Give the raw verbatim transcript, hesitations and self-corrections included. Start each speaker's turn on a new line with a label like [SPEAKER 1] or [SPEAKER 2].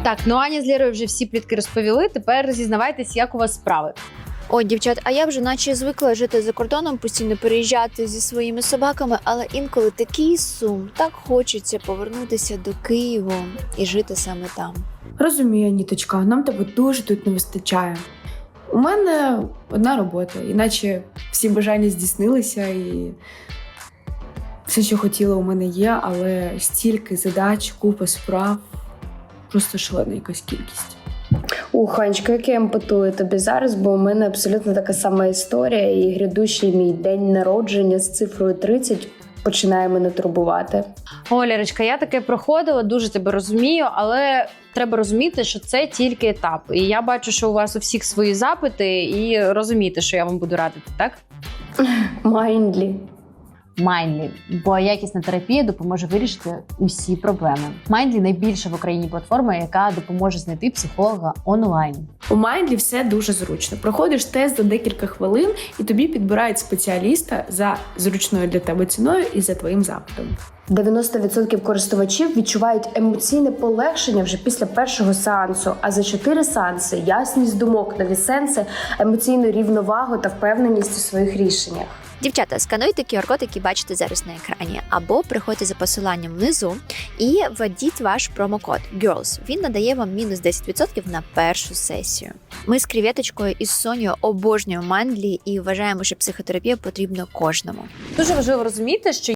[SPEAKER 1] Так, ну Аня з Лєрою вже всі плітки розповіли, тепер зізнавайтесь, як у вас справи.
[SPEAKER 2] Ой, дівчат, а я вже наче звикла жити за кордоном, постійно переїжджати зі своїми собаками, але інколи такий сум, так хочеться повернутися до Києва і жити саме там.
[SPEAKER 3] Розумію, Аніточка, нам тебе дуже тут не вистачає. У мене одна робота, іначе всі бажання здійснилися і все, що хотіла, у мене є, але стільки задач, купа справ, просто шалена якась кількість.
[SPEAKER 4] Ух, Анечка, як я емпатую тобі зараз, бо у мене абсолютно така сама історія, і грядущий мій день народження з цифрою тридцять починає мене турбувати.
[SPEAKER 1] О, Лєрочка, я таке проходила, дуже тебе розумію, але треба розуміти, що це тільки етап. І я бачу, що у вас у всіх свої запити, і розумієте, що я вам буду радити, так?
[SPEAKER 4] Майндлі.
[SPEAKER 5] Mindly, бо якісна терапія допоможе вирішити усі проблеми. Mindly – найбільша в Україні платформа, яка допоможе знайти психолога онлайн.
[SPEAKER 3] У Mindly все дуже зручно. Проходиш тест за декілька хвилин, і тобі підбирають спеціаліста за зручною для тебе ціною і за твоїм запитом.
[SPEAKER 4] дев'яносто відсотків користувачів відчувають емоційне полегшення вже після першого сеансу, а за чотири сеанси – ясність думок, нові сенси, емоційну рівновагу та впевненість у своїх рішеннях.
[SPEAKER 2] Дівчата, скануйте ку ар-код, який бачите зараз на екрані, або приходьте за посиланням внизу і введіть ваш промокод герлс. Він надає вам мінус десять відсотків на першу сесію. Ми з Креветочкою і з Сонею обожнюємо Mindly і вважаємо, що психотерапія потрібна кожному.
[SPEAKER 1] Дуже важливо розуміти, що